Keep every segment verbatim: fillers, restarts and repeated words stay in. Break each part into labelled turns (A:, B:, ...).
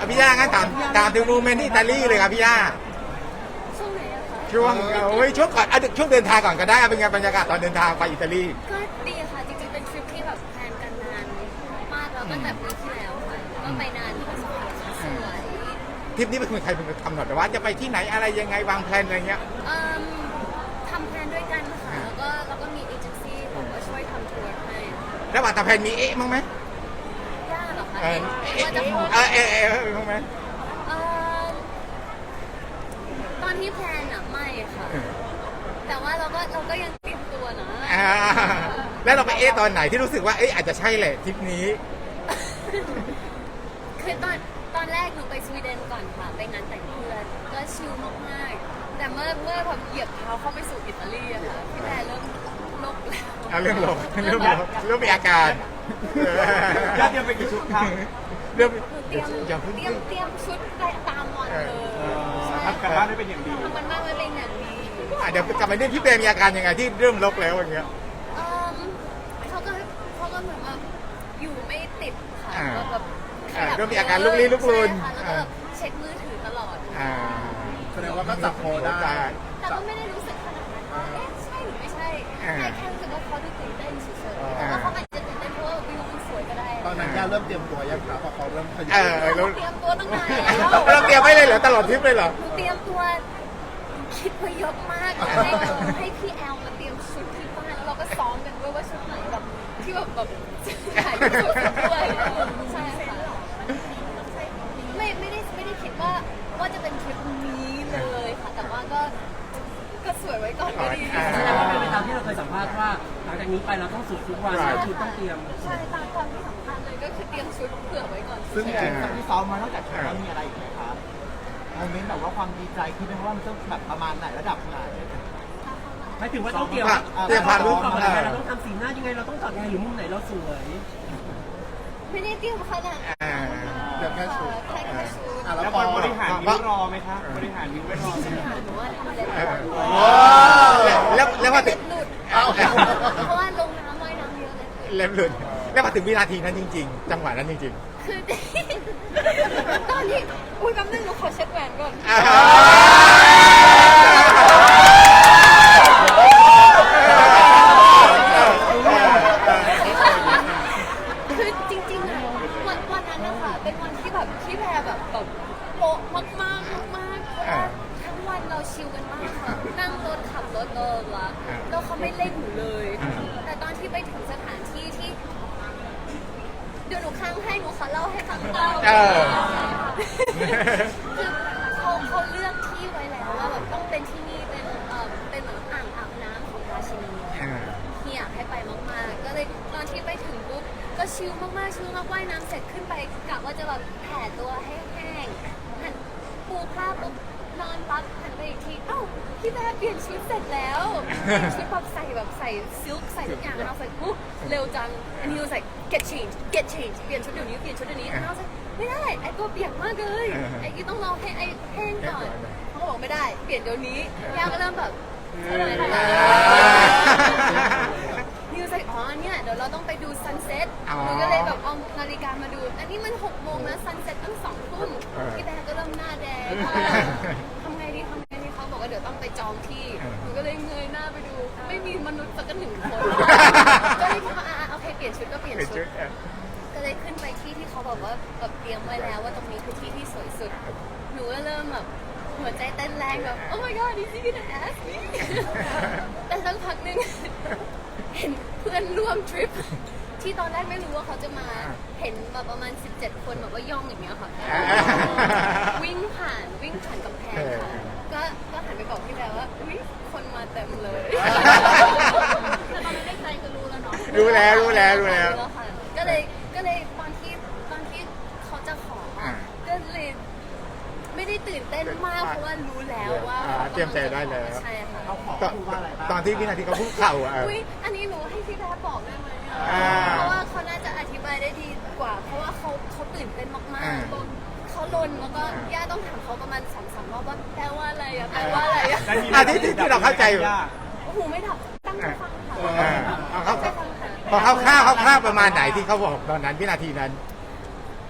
A: พี่ย่างั้นถามถามถึงโมเมนต์ที่อิตาลีเลยครับพี่ย่า
B: ช่วงไหนอะคะ
A: ช่วงโอ้ยช่วงก่อนอ่ะช่วงเดินทางก่อนก็ได้เป็นไงบรรยากาศตอนเดินทางไปอิตาลี
B: ก็ดีค่ะจริงๆเป็นทริปที่แบบแพลนกันนานมากแล้วตั้งแต่ปีที่แล้วค่ะก็ไปนานพอสมควรสวย
A: ทริปนี้เป็นใครเป็นคนกำหนดว่าจะไปที่ไหนอะไรยังไงวางแผนอะไรเงี้ย
B: เอิ่มทำแพลนด้วยกันค่ะแล้วก็แล้วก็มีเอเจนซี่ผมก็ช่วยทำทัวร์ให้
A: ระหว่างทำแผนมีเอ๊ะมั้งไหม
B: ย่าเหรอคะ
A: เออ
B: เอ๊ะว่าจะพอ
A: เออเอ๊ะเอ๊ะมั้งไหม
B: เอ่อตอนที่แพลนอะไม่ค่ะ แต่ว่าเราก็เราก็ยังเตรียมตัวนะ
A: อ่าแล้วเราไปเอ๊ะตอนไหนที่รู้สึกว่าเอ๊ะอาจจะใช่แหละทริปนี้
B: คือตอนตอนแรกหนูไปสวีเดนก่อนค่ะไปงานแต่งเพื่อนก็ชิลมากๆแต่เมื่อเมื่อแบบเหยียบเท้าเข้าไปสู่อิตาลีอะค่ะพี่แพรเริ่มลบแล้ว
A: เอาเรื่องลบเรื่องลบเรื่องมีอาการ
C: ย่าเตรียมไปกี่ชุดครับ
A: เรื่อง
B: หนูเตรียม
A: อย่าเพิ่ง
B: เตรียมเตรียมชุดไปตามวันเลยใช่
C: ทำกันบ้านได้เป็นอย่างดี
B: ทำมันมากไว้เป็นอย่างดี
A: อ่ะเดี๋ยวกลับไปเรื่องพี่เปรมมีอาการยังไงที่เริ่มลบแล้วอย่างเงี้ย
B: เอิ่มเขาก็เขาก็เหมือนแบบอยู่ไม่ติดค่ะ
A: อ่า
B: แบบ
A: อ่าเริ่มมีอาการลุกลี้ลุกลน
B: ใช่ค่ะแล้วก็แบบเช็คมือถือตลอด
A: อ่า
C: แสดงว่าก็จับโพได้
B: แต่ก็ไม่ได้รู้สึกขนาดนั้นว่าเอ๊ะใช่หรือไม่ใช่แค่แค่รู้สึกว่าเขาดูตื่นเต้นเฉยๆแต่ว่าเขาอาจจะตื่นเต้นเพราะว่าวิวมันสวยก็ได้
C: ตอนนั้นย่าเริ่มเตรียมตัวยังครับพอเขาเริ่มขยั
A: เออเรา
B: เตรียมตัวตั้งนานแล้ว
A: เราเตรียมไว้เลยเหรอตลอดทริปเลยเหรอ
B: หนูเตรียมตัวคิดไว้เยอะมากให้ให้พี่แอลมาเตรียมชุดที่บ้านแล้วเราก็ซ้อมกันด้วยว่าชุดไหนแบบที่แบบแบบถ่ายรูปด้วยใช่ค่ะไม่ไม่ได้ไม่ได้คิดว่าว่าจะเป็นทริปนี้เลยค่ะ แต่ว่าก็ก็สวยไว้ก่อนก็ดี
A: อ่า
D: แสดงว่าเป็นไปตามที่เราเคยสัมภาษณ์ว่าหลังจากนี้ไปเราต้องสวดทุกวันแล้วคือต้องเตรียม
B: ใช่ตามความที่สำคัญเลยก็คือเตรียมชุดเผื่อไว้ก่อน
C: ซึ่งจริงๆที่ซ้อมมานอกจากชุดแล้วมีอะไรอีกไหมครับโมเมนต์แบบว่าความดีใจคิดไหมว่ามันต้องแบบประมาณไหนระดับไหน
D: หมายถึงว่าต้องเตรียม
A: เตรียมความรู้
D: ก่อน
A: เออ
D: เราต้องทำสีหน้ายังไงเราต้องตัดยังไงหรือมุมไหนเราสวย
B: ไม่ได้เตรียมขนาดนั้น
A: อ่า
C: เดี๋ยวแค่ชุด
B: แค่แค่ชุด
C: อ่ะแล้วพอบริหารนิ้วรอไหมครับบริหารนิ้วไว้รอไหม
B: หนูว่าทำอะไร
A: เอ
B: ไม่
A: อ
B: ได้
A: แล้วแล้วพอถึง
B: หลุด
A: เอา
B: เพราะว่าลงน้ำว่ายน้ำเยอะเลย
A: เล็บหลุดแล้วพอถึงวินาทีนั้นจริง ๆ จังหวะนั้นจริง
B: คือ ตอนที่อุ้ยแป๊บนึงหนูขอเช็ดแหวนก่อน
A: ๆอ่า
B: คือจริงๆอะวันวันนั้นนะคะเป็นวันที่แบบที่แพรแบบแบบโป๊ะมากๆมากๆเพราะว่าทั้งวันเราชิลกันมากค่ะนั่งรถขับรถเออละแล้วเขาไม่เล่นหนูเลย แต่ตอนที่ไปถึงสถานที่ที่เดี๋ยวหนูค้างให้หนูขอเล่าให้ฟังต่อ
A: เออ
B: คือเขาเขาเลือกที่ไว้แล้วว่าแบบต้องเป็นที่นี่เป็นเอ่อเป็นเหมือนอ่างอาบน้ำของราชินี
A: อ่า
B: ที่อยากให้ไปมากๆ ก็เลยตอนที่ไปถึงปุ๊บก็ชิลมากๆชิลมากว่ายน้ำเสร็จขึ้นไปกะว่าจะแบบแผ่ตัวให้แห้งหันปูผ้าปุ๊บนอนปั๊บหันไปอีกทีเอ้าพี่แม่เปลี่ยนชุดเสร็จแล้วเปลี่ยนชุดแบบใส่แบบใส่ซิลค์ใส่ทุกอย่างแล้วเราใส่ปุ๊บเร็วจัง and he was like get changed get changed เปลี่ยนชุดเดี๋ยวนี้เปลี่ยนชุดเดี๋ยวนี้ and I was like ไม่ได้ไอตัวเปียกมากเลยไอต้องรอให้ไอแห้งก่อนเขาก็บอกไม่ได้เปลี่ยนเดี๋ยวนี้ย่าก็เริ่มแบบทำไมทำไม นิวใส่อ๋อเนี่ยเดี๋ยวเราต้องไปดูซันเซ็ต
A: อ๋อ
B: หนูก็เลยแบบเอานาฬิกามาดู อันนี้มันหกโมงนะซันเซ็ตตั้งสองทุ่ม
A: เออ
B: พี่แบร์ก็เริ่มหน้าแดงทำไงดีทำไงดีเขาบอกว่าเดี๋ยวต้องไปจองที่
A: เออ
B: หนูก็เลยเงยหน้าไปดู ไม่มีมนุษย์สักหนึ่งคน ก็เลยคิดว่าอ่ะโอเคเปลี่ยนชุดก็เปลี่ยน
A: เป็น
B: ชุ
A: ชุ
B: ด
A: ดเออ
B: ก็เลยขึ้นไปที่ที่เขาบอกว่าแบบเตรียมไว้แล้วว่าตรงนี้คือที่ที่สวยสุด หนูก็เริ่มแบบหัวใจเต้นแรงแบบ oh my god is he gonna ask me แต่สักพักหนึ่ง เห็นเพื่อนร่วมทริป ที่ตอนแรกไม่รู้ว่าเขาจะมาเห็นแบบประมาณสิบเจ็ดคนแบบว่าย่องอย่างเงี้ยค่ะ วิ่งผ่านวิ่งผ่านกำแพงค่ะ ก็ก็หันไปบอกพี่แล้วว่าอุ๊ยคนมาเต็มเลย แต่ตอนนั้นในใจก็รู้แล้วเนาะ
A: รู้แล้วรู้แล้วรู้แล้ว
B: ค่ะก็เลยก็เลยตอนที่ตอนที่เขาจะขออ่ะก็เลยไม่ได้ตื่นเต้นมากเพราะว่ารู้แล้วว่า
A: อ่าเตรียมใจได้แล้ว
B: ใช่ค่ะ
A: ตอนตอนที่วินาทีเขาพูดเข่าอ่ะ
B: อุ้ยอันนี้หนูให้พี่แพทบอกได้ไหมอะ
A: อ่า
B: เพราะว่าเขาน่าจะอธิบายได้ดีกว่า เพราะว่าเขาเขาตื่นเต้นมาก
A: อ่า
B: ๆเขาลนแล้วก็ย่าต้องถามเขาประมาณสองสามรอบว่าแปลว่าอะไรอะแปลว่าอะไรอะ
A: อ่ะที่ที่ที่เราเข้าใจอยู่
B: โอ้โหไม่ดับตั้งใจฟังค่ะ
A: อ่าเอาเขา
B: ตั้งใจฟังค่ะ
A: พอเขาข้าวเขาข้าวประมาณไหนที่เขาบอกตอนนั้นวินาทีนั้น
B: เ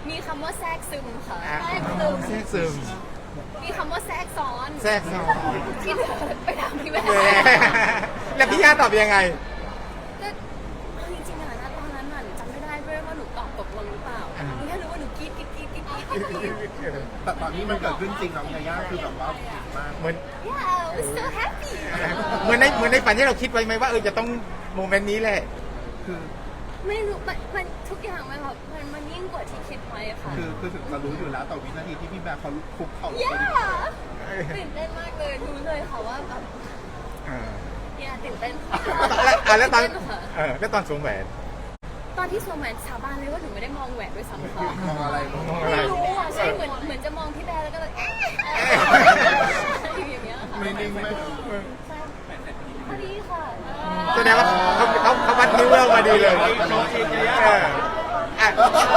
B: มีคำว่าแทรกซึมค่ะ
A: อ่ะ
B: แทรกซึม
A: แทรกซึม
B: มีคำว่าแทรกซ้อน
A: แทรกซ้อน
B: ที่เหลือไปถามพี่แม่
A: แหมแล้วพี่ย่าตอบยังไง
B: ก็เอาจริงๆอะนะตอนนั้นน่ะหนูจำไม่ได้ด้วยว่าหนูตอบตกลงหรือเปล่า
A: อ่า
B: หนูแค่รู้ว่าหนูกรี๊ดกรี๊ดกรี๊ดกรี๊ดกรี๊ดกรี๊ด
C: แต่ตอนนี้มันเกิดขึ้นจริงน้องยาย่าคือแบบว่าเก่งมาก
A: เหมือน
B: Yeah I was so happy
A: เหมือนในเหมือนในฝันที่เราคิดไว้ไหมว่าเออจะต้องโมเมนต์นี้แหละ
C: คือ
B: ไม่รู้มันมันทุกอย่างมันแบบมันมันยิ่งกว่าที่คิดไว้อะค่ะ
C: คือคือถึงจะรู้อยู่แล้วแต่วินาทีที่พี่แบร์เขาคุกเข่าลง
B: yeah
C: ไปดิ
B: ตื่นเต้นมากเลยรู้เลยค่ะว่าแบบ
A: อ่า
B: เนี่ยตื่นเต้นค่ะ
A: แล้วอ่ะแล้วตอน
B: ตื่เค่ะ
A: เออแล้วตอนสวมแหวน
B: ตอนที่สวมแหวนสาบานเลยว่าหนูไม่ได้มองแหวนด้วยซ้ำค่ะ
C: มองอะไร
A: มองอะไร
B: ไม่รู้อ่ะใช่เหมือนเหมือนจะมองพี่แบร์แล้วก็เลยเอ๊ะอยู่อย่างเงี้ยค่ะ
C: ไม่นิ่งไม่
B: ใช่พอดีค่ะ
A: แสดงว่าเขาเขาเขาวัดนิ้วเรามาดีเลยเอออ่ะอ่ะ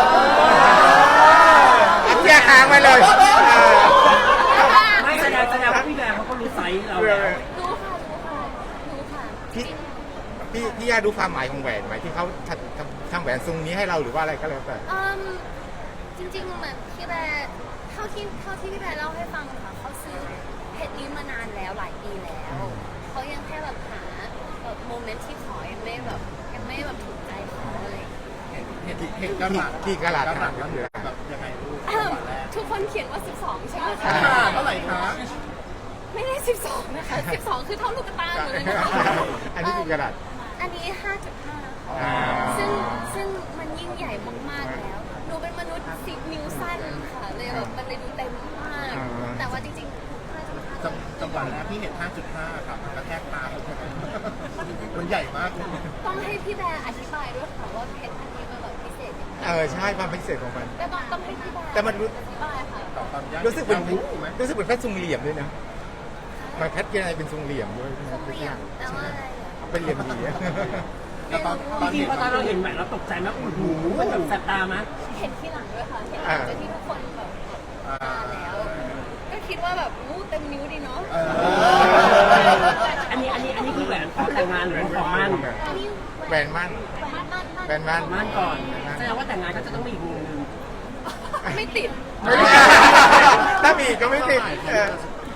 A: เสียค้างไปเลยเออ
D: ไม่แสดงแสดงว่าพี่แบร์เขาก็รู้ไซส์เราแล้ว
B: รู้ค่ะรู้ค่ะรู้ค่ะ
A: พี่พี่พี่ย่าดูความหมายของแหวนไหมที่เขาทำทำทำแหวนทรงนี้ให้เราหรือว่าอะไรก็แล้วแต่
B: อืมจริงๆเหมือนพี่แบร์เท่าที่เท่าที่พี่แบร์เล่าให้ฟังค่ะเขาซื้อเพชรนี้มานานแล้วหลายปีแล้วเขายังแค่แบบหาแบบโมเมนต์ที่ขอยังไม่แบบยังไม่แบบถูกใจเขาอะไรอย่างเงี้ย
C: เห็นเห็นกระหลัด
A: กี่กะลัด
C: กระหลัด
A: ครั
C: มัน
A: บ
C: แบบยังไงลูก
B: อ้าว
C: วันแรก
B: ทุกคนเขียนว่า สิบสอง ใช่ไหมคะ
C: เท่าไหร่คะ
B: ไม่ได้ สิบสอง นะคะ สิบสอง คือเท่าลูกกระตาหนูเลยนะคะ
A: อันนี้กี่กะลัด
B: อันนี้ ห้าจุดห้า
A: อ่า
B: ซึ่งซึ่งมันยิ่งใหญ่มากๆแล้ว หนูเป็นมนุษย์สิบนิ้วสั้นค่ะ เลยแบบมันเลยดูเต็มมาก แต่ว่าจริงๆห้าจุดห้า
C: จังจังหวะแรกพี่เห็น ห้าจุดห้า ครับมันกระแทกตาผมมันใหญ่มากเลย
B: ต้องให้พี่แบร์อธิบายด้วยค่ะว่าเพชรอันนี้มันแบบพิเศษยังไง
A: เออใช่ความพิเศษของมัน
B: แต่ต้องต้องให้พี่แบร์
A: แต่มันรู้
B: อธิบายค่ะ
C: ต่อตอนย่า
A: รู้สึกเป็น
C: รู้ไหม
A: รู้สึกเป็นแพทย์ทรงเหลี่ยมด้วยนะมันแพทย์เป็นอะไรเป็นทรงเหลี่ยมด้วย
B: ทรงเหลี่ยมแต่ว่าอะไรอ่ะ
A: เป็นเหลี่ยมดีอะ
C: แต่ตอนต
D: จ
C: อน
D: ริง
C: เห็
D: ๆ
C: น
D: พอตอนเราเห็นแหวนเราตกใจไหมโอ้โหมันแบบแสบตาไหม
B: เห็นที่หลังด้วยค่ะ เห็นหลังจากที่ทุกคนแบบมาแล้ว ก็คิดว่าแบบอู้เต็มนิ้วดีเนาะ
C: เออ
D: อันนี้อันนี้อันนี้คือแหวนขอแต่งงานหรือของมั่น
B: อันนี้
A: แหวนมั่น
B: แหวนมั่น
A: แหวนมั่น
D: มั่นก่อนแสดงว่าแต่งงานก็จะต้องมีอีกมุมหนึง
B: ไม่ติด
A: ถ้ามีก็ไม่ติดเออ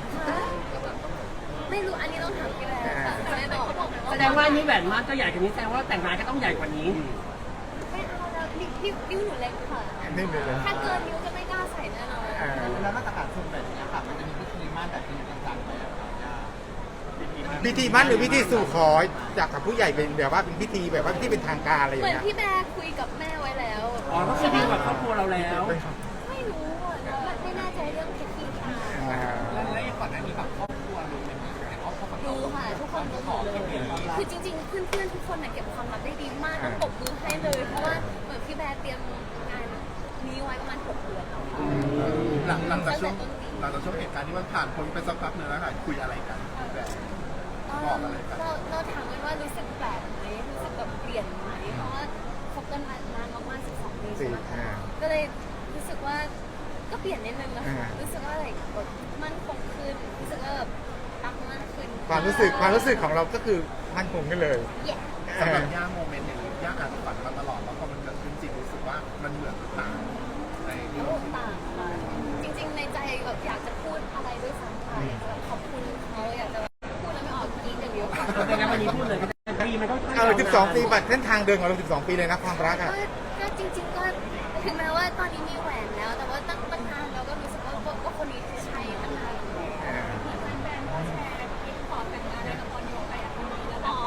B: ไม่รู้ อันนี้ต้องถามพี่แบร์ค่ะไม่ได้บอก
D: แสดงว่าอันนี้แหวนมั่นก็ใหญ่กว่านี้แสดงว่าแต่งงานก็ต้องใหญ่กว่านี้
B: ไม่เอาแล้วนิ้วนิ้วนิ้วหนูเล็กค่ะ
A: นี่เลย
B: ถ้าเกินนิ้วจะไม่กล้าใส่แน่นอน
A: เออ
C: แล้วมาตรการทรงแบบนี้ค่ะมันจะมีพิธีมั่นแบบจริงจังไหมครับย่า
A: พิธีมั่นหรือพิธีสู่ขอจากกับผู้ใหญ่เป็นแบบว่าเป็นพิธีแบบว่าที่เป็นทางการอะไรอ
B: เห
A: ย่า
B: มื
A: ง
B: อน
A: เงี้ย
B: พี่แบร์คุยกับแม่ไว้แล้ว
D: อ๋อก็คือดีกว่าครอบครัวเราแล้ว
B: ไม่รู้อ่ะไม่แน่ใจเรื่องพิธีค่ะ
A: อ่า
C: แล้วก่อนหน้านี้แบบครอบครัวรู้ไหมแต่ครอบครัว
B: รู้ค่ะ ทุกคนรู้หมดเลยคือจริงๆ เพื่อนๆ ทุกคนน่ะเก็บความลับได้ดีมากต้องปรบมือให้เลย เพราะว่าเหมือนพี่แบร์เตรียมงานนี้ไว้ประมาณหกเดือนแล้วค่ะ
C: หลังหลังจากช่วงหลังจากช่วงเหตุการณ์ที่มันผ่านพ้นไปสักพักหนึ่งแล้วค่ะคุยอะไรกันแบบ บอกอะไรกัน
B: เราเราถามกันว่ารู้สึกแปลกไหมรู้สึกแบบเปลี่ยนไหมเพราะว่าคบกันมานานมากๆสิบสองปีใช่ไหมคะก็เลยรู้สึกว่าก็เปลี่ยนนิดนึงนะคะรู้สึกว่าอะไรแบบมั่นคงขึ้นรู้สึกว่าแบบรักมากขึ้น
A: ความรู้สึกความรู้สึกของเราก็คือมั่นคงกันเลย
B: แย่
C: สำหรับย่าโมเมนต์อย่างนี้ย่าอ่านฝันมาตลอดแล้วพอมันเกิดขึ้นจริงรู้สึกว่ามันเหมือนหรือต่างในเรื่อง
B: โลกต่างค่ะจริงๆในใจแบบอยากจะพูดอะไรด้วยซ้ำค่ะอยากจะแบบขอบคุณเขาอยากจะแบบพูดแล้วไม่ออกกรีดอย่างเดียวค่ะ
D: แต่งั้นวันนี้พูดเลยก็ได้ปีมันก็
A: เออสิบสองปีบัตรเส้นทางเดินของเราสิบสองปีเลยนะความรักอ่ะ
B: ก็ก็จริงๆก็ถึงแม้ว่าตอนนี้มีแหวนแล้ว แต่ว่าตั้งตั้งนานเราก็รู้สึกว่าว่าคนนี้คือใช่ตั้งนานแล้วแฟนๆก็แชร์คลิปขอแต่งงานในละครอยู่ไปอ่ะคนนี้แล้วอ๋อ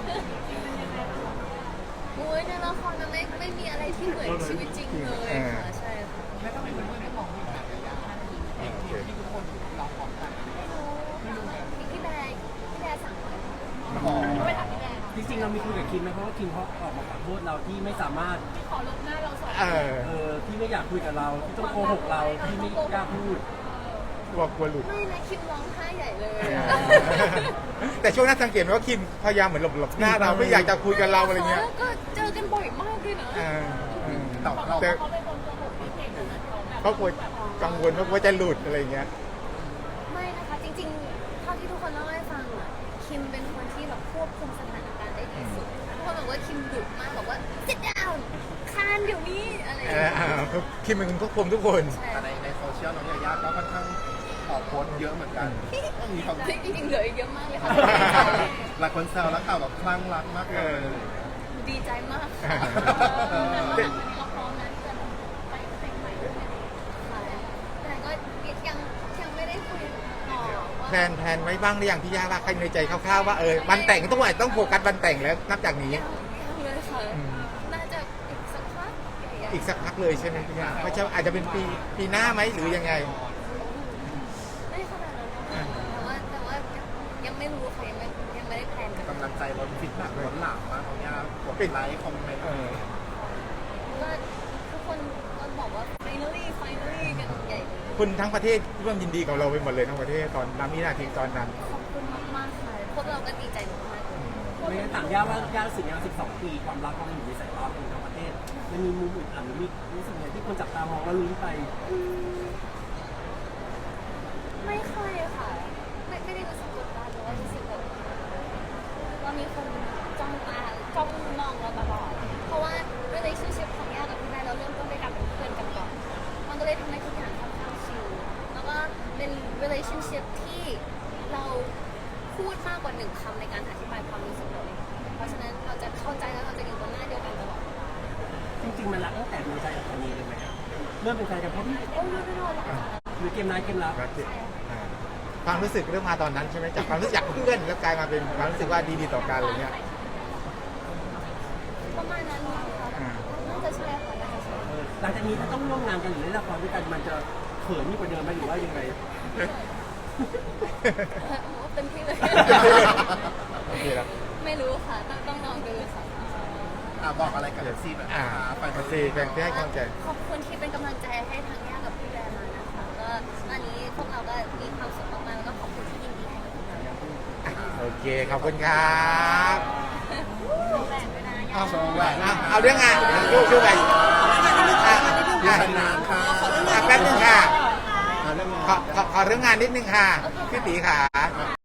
B: โอ้ยในละครมันไม่ไม่มีอะไรที่เหมือนชีวิตจริงเลยค่ะใช่ค่ะ
C: แล้วทำไมเพื่อนๆไม่มองผู้หญิงแบบย่าเห็นที่ทุกคนเราพร้อมกัน
B: ไม่รู้พี่แบร์พี่แบร์สั่งไว้
C: อ๋อ
B: ไปถามพี่แบร์
D: จริงๆเรามีคุยกับคิมไหมเพราะว่าคิมเขาออกมาขอโทษเราที่ไม่สามารถ
B: ขอลบหน้าเราสอง
A: เออ
D: เออที่ไม่อยากคุยกับเราที่ต้องโกหกเราที่ไม่กล้าพูด
A: กลัวกลัวหลุด
B: ไม่นะคิมร้องไห้ใหญ่เลย
A: แต่ช่วงนั้นสังเกตไหมว่าคิมพยายามเหมือนหลบหลบหน้าเราไม่อยากจะคุยกับเราอะไรเงี้ย
B: ก็เจอกันบ่อยมากด้วยนะ
A: เออเออ
C: แต่เรา
A: แต่
B: เขาเป็นคนโกหกไม่เก่งนะเขาแบบ
A: เขากลัวกังวลว่ากลัวจะหลุดอะไรเงี้ย
B: ไม่นะคะจริงๆเท่าที่ทุกคนเล่าให้ฟังอ่ะคิมเป็นคนที่แบบควบคุมสถานการณ์ได้ดีสุดทุกคนบอกว่าคิมดุมากบอกว่า sit down คานเดี๋ยวนี้อะไรอย่าง
A: เออเออคิมเป็นคนควบคุมทุกคน
B: ใช่
E: แต่ในในโซเชียลน้องยายาก็ค่อนข้างออกโพสต์เยอะเหมือนกันมีความ
B: จริงๆเหลืออีกเยอะมากเลยค่ะ
E: หลายคนแซวแล้วข่าวแบบคลั่งรักมากเลย
B: ดีใจมากค่ะเราพร้อมนะที่จะไปเพลงใหม่ด้วยค่ะแต่ก็ยังยังไม่ได้คุยต่อว่า
A: แพลนแพลนไว้บ้างหรือยังพี่ย่าว่าใครในใจคร่าวๆว่าเออวันแต่งต้องไหนต้องโฟกัสวันแต่งแล้วนับจากนี้
B: ยังยังเลยค่ะ
A: อืม
B: น่าจะอีกสักพักใหญ่ๆ
A: อีกสักพักเลยใช่ไหมพี่ย่าไม่ใช่อาจจะเป็นปีปีหน้าไหมหรือยังไง
B: ไม่ขนาดนั้นค่ะแต่ว่าแต่ว่ายังไม่รู้ค่ะยังไม่ยังไม่ได้แพลนกัน
E: กำลังใจล้นฟิตแบบล้นหลามมากน้องยากดไลค์คอมเมนต์
A: เออ
B: ว่าทุกคนก็บอกว่า finally finally กันใหญ่เลย
A: คุณทั้งประเทศร่วมยินดีกับเราไปหมดเลยทั้งประเทศตอนน้ำวินาทีตอนนั้น
B: ขอบคุณมากๆค่ะพวกเราก็ดีใจมากๆเลย
D: ไม่งั้นถามย่าว่าย่ารู้สึกยังสิบสองปีความรักมันอยู่ในสายตาคนทั้งประเทศมันมีมุมอื่นอ่ะหรือมีรู้สึกไงที่คนจับตามองว่าลุ้นไป
B: ไม่ค่อยค่ะ ไม่ไม่ได้รู้สึกกดดันหรือว่ารู้สึกแบบว่ามีคนจ้องตาจ้องมองเราตลอด เพราะว่า relationship ของย่ากับพี่แม่เราเริ่มต้นด้วยการเป็นเพื่อนกันก่อน มันก็เลยทำให้ทุกอย่างค่อนข้างชิลแล้วก็เป็น relationship ที่เราพูดมากกว่าหนึ่งคำในการอธิบายความรู้สึกเราเองเพราะฉะนั้นเราจะเข้าใจแล้วเราจะอยู่บนหน้าเดียวกันตลอดเวลา
D: จริงๆมันรักตั้งแต่ดูใจกับคนนี้เลยไหมอะเริ่มเป็นแฟนกันเพราะพี่
B: โอ้ยไม่ไม่ไม่ค่ะ
D: หรือเกมร้ายเกมรับ
A: รักจิตอ่าความรู้สึกเริ่มมาตอนนั้นใช่ไหมจากความรู้สึกจากเพื่อนแล้วกลายมาเป็นความรู้สึกว่าดีๆต่อกันอะไรเงี้ย
B: ประมาณนั้นมั้งค่ะ
A: อ่า
B: น่าจะใช่ค่ะน่าจะใช่
D: เออหลังจากนี้ถ้าต้องร่วมงานกันหรือเล่นละครด้วยกันมันจะเขินยิ่งกว่าเดิมไหมหรือว่ายังไง
B: โอ้เต็มที่เลย
A: โอเคแล้ว
B: ไม่รู้ค่ะ ต้องต้องลองดูค่ะ
E: อ่ะบอกอะไรกับซีแบบ
A: อ่า
E: ไป
A: โอเคแฟนที่ให้กำลังใจ
B: ขอบคุณที่เป็นกำลังใจให้ทางย่ากับพี่แบร์มานะคะก็อันนี้พวกเราก็มีความสุขมากๆแล้วก็ขอบคุณที่ยินดีให้กับพวกเรา
A: โอเค ขอบคุณครับ
B: แหวนด้วยนะย่า
A: เอาเอาเอาเรื่องงานดูดูไปอ่ะ
E: ดิ
A: อ่ะ
E: ฉันนานค่ะ
A: อ่ะแป๊บนึงค่ะ
E: อ่ะเรื่องงาน
A: ขอขอขอเรื่องงานนิดนึงค่ะ พี่ตีค่ะ